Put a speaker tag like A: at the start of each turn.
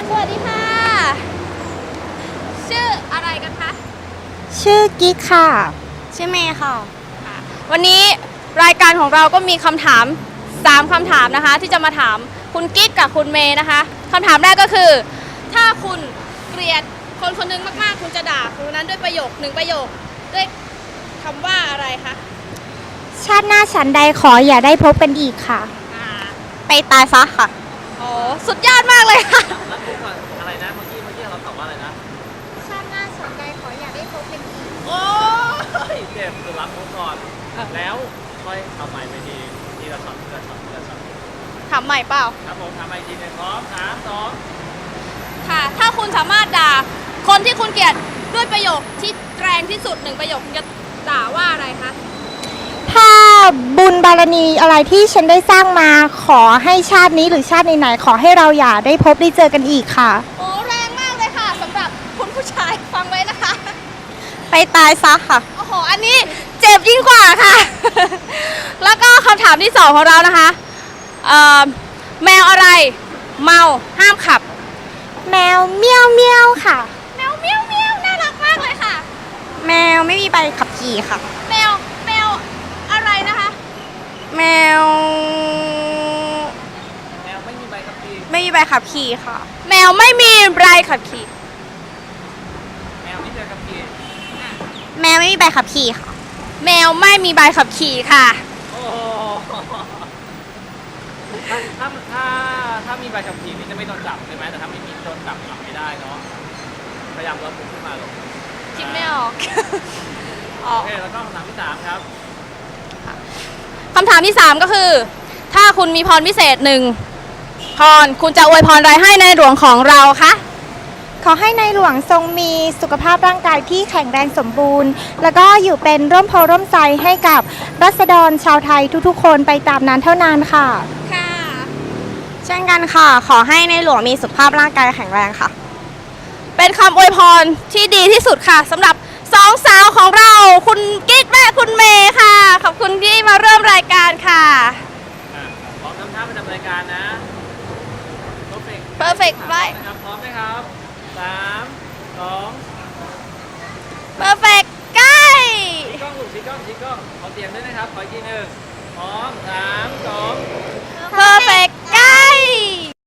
A: สวัสดีค่ะชื่ออะไรกันคะ
B: ชื่อกิ๊กค่ะ
A: ชื่อเมย์ค่ะวันนี้รายการของเราก็มีคำถาม3คำถามนะคะที่จะมาถามคุณกิ๊กกับคุณเมย์นะคะคำถามแรกก็คือถ้าคุณเกลียดคนคนหนึงมากๆคุณจะด่าคนนั้นด้วยประโยค1ประโยคด้วยคำว่าอะไรคะ
B: ชาติหน้าฉันใดขออย่าได้พบกันอีกค่ะไปตายซะค่ะ
A: โอ้สุดยอดมากเลยค่ะ
C: แล้วพูดก่อนอะไรนะเมื่อกี้เราตอบว่าอะไรนะ
B: ชาติหน้าฉันใดขออย่าได้พบกันอีก
C: โอ้ยเจ็บคือรับมุกก่อนแล้วค่อยทำใหม่ไปทีละช็อต
A: ถามใหม่เปล่า
C: ครับผมทำใหม่ทีหนึ่งพร้อม3 2
A: ค่ะถ้าคุณสามารถด่าคนที่คุณเกลียดด้วยประโยคที่แรงที่สุด1ประโยคคุณจะด่าว่าอะไรคะ
B: ถ้าบุญบารมีอะไรที่ฉันได้สร้างมาขอให้ชาตินี้หรือชาติไหนๆขอให้เราอย่าได้พบได้เจอกันอีกค่ะ
A: โอ้แรงมากเลยค่ะสำหรับคุณผู้ชายฟังไว้นะคะ
B: ไปตายซะค่ะ
A: โอ้โหอันนี้เจ็บยิ่งกว่าค่ะ แล้วก็คำถามที่2ของเรานะคะแมวอะไรเมาห้ามขับ
B: แมวเมี้ยวเมี้ยวค่ะ
A: แมวเมี้ยวเมี้ยวน่ารักมากเลยค่ะ
B: แมวไม่มีใบขับขี่ค่ะ
A: แมวอะไรนะคะ
B: แมว
C: ไม่มีใบขับขี่
B: ไม่มีใบขับขี่ค่ะ
A: แมวไม่มีใบขับขี่
C: แมวไม่มีใบขับขี่
B: แมวไม่มีใบขับขี่ค่ะ
A: แมวไม่มีใบขับขี่ค่ะ
C: โอ้ถ้ามีใบขับขี่นี่จะไม่โดนจับใช่ไหมแต่ถ้าไม่มีโดนจับไม่ได้เนาะพยายามลดมุกขึ้นมาลง
A: คิดไม่ออก
C: โอเคแล้วก็คำถามที่3ครับ
A: คำถามที่3ก็คือถ้าคุณมีพรพิเศษ1พรคุณจะอวยพรอะไรให้ในหลวงของเราคะ
B: ขอให้ในหลวงทรงมีสุขภาพร่างกายที่แข็งแรงสมบูรณ์แล้วก็อยู่เป็นร่มโพร่มไทรให้กับรัษฎรชาวไทยทุกๆคนไปตามนั้นเท่านั้นค่ะ
A: ค่ะ
B: เช่นกันค่ะขอให้ในหลวงมีสุขภาพร่างกายแข็งแรงค่ะ
A: เป็นคำอวยพรที่ดีที่สุดค่ะสำหรับ2สาวของเราคุณกิ๊กและคุณเมย์ค่ะขอบคุณที่มาเริ่มรายการค่ะ
C: พร้อมทำท่าประจำรายการนะ
A: perfect ไว้
C: พร้อมไหมครับ3 2
A: perfect ใกล้
C: ชี้กล้องลูกชี้กล้องขอเสียงด้วยนะครับขออีกทีหนึ่งพร้อม3 2
A: perfect